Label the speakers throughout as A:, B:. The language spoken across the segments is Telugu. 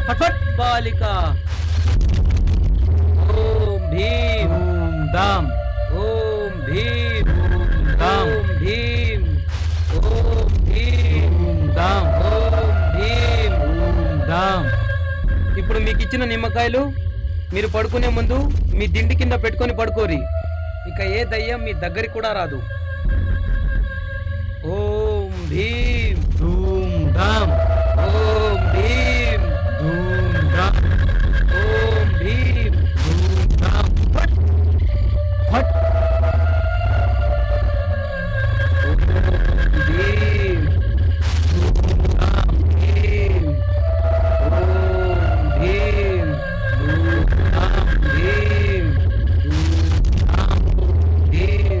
A: ఫట్ఫట్ బాలిక. ఓం భీం
B: ఓం దాం
A: ఓం భీం
B: దాం
A: ఓం భీం ఓం భీం
B: ఓం దాం
A: ఓం భీం.
B: ఓం దాం.
A: ఇప్పుడు మీకు ఇచ్చిన నిమ్మకాయలు మీరు పడుకునే ముందు మీ దిండి కింద పెట్టుకొని పడుకోరి. ఇక ఏ దయ్యం మీ దగ్గరికి కూడా రాదు. ఓం భీం
B: ధూం ధాం
A: ఓం భీం
B: ధూం ధాం
A: ఓం భీం.
B: ధూం ధాం. ఫట్ ఫట్.
A: భీం
B: ధూం ధాం
A: భీం ఓం భీం
B: ధూం ధాం
A: భీం
B: ధూం ధాం.
A: భీం.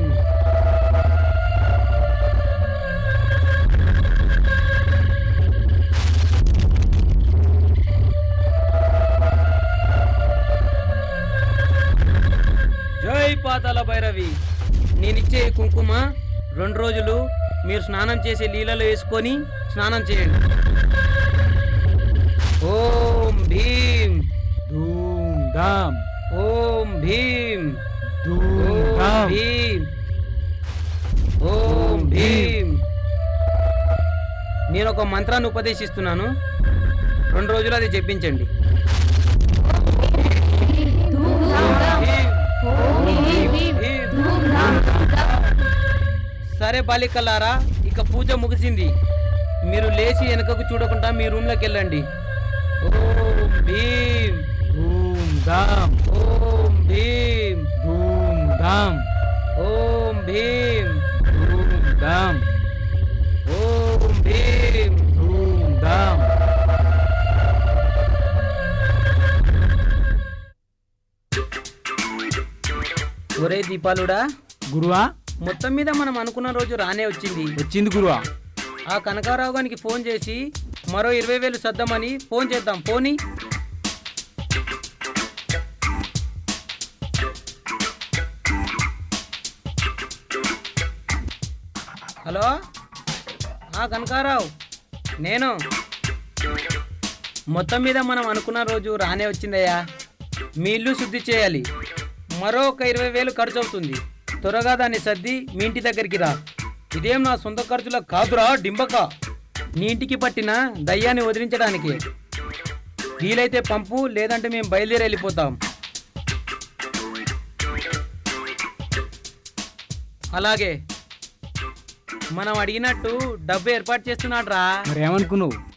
A: జై పాతాల భైరవి. నేనిచ్చే ఈ కుంకుమ 2 రోజులు మీరు స్నానం చేసే నీళ్ళలో వేసుకొని స్నానం చేయండి. ఓం భీం
B: ధూం ధాం
A: ఓం భీం
B: ధూం
A: ఓం
B: ధాం.
A: భీం ఓం భీం. నేను ఒక మంత్రాన్ని ఉపదేశిస్తున్నాను, 2 రోజులు అది చెప్పించండి. సరే బాలికలారా, ఇక పూజ ముగిసింది. మీరు లేచి వెనకకు చూడకుండా మీ రూమ్లోకి వెళ్ళండి. ఓం భీం
B: ధూం ధాం
A: ఓం భీం
B: ధూం ధాం
A: ఓం భీం
B: ధూం ధాం
A: ఓం భీం.
B: ధూం ధాం.
A: ఒరే దీపాలుడా,
B: గురువా
A: మొత్తం మీద మనం అనుకున్న రోజు రానే వచ్చింది.
B: వచ్చింది గురువా.
A: ఆ కనకారావు గారికి ఫోన్ చేసి మరో 20,000 సర్దామని ఫోన్ చేద్దాం. పోనీ. హలో, కనకారావు నేను. మొత్తం మీద మనం అనుకున్న రోజు రానే వచ్చిందయ్యా. మీ ఇల్లు శుద్ధి చేయాలి, మరో ఒక 20,000 ఖర్చు అవుతుంది. త్వరగా దాన్ని సర్ది మీ ఇంటి దగ్గరికి రా. ఇదేం నా సొంత ఖర్చుల కాదురా డింబక, నీ ఇంటికి పట్టిన దయ్యాన్ని వదిలించడానికి. వీలైతే పంపు, లేదంటే మేము బయలుదేరి వెళ్ళిపోతాం. అలాగే మనం అడిగినట్టు డబ్బు ఏర్పాటు చేస్తున్నాడు రా.
B: మరి ఏమనుకున్నావు?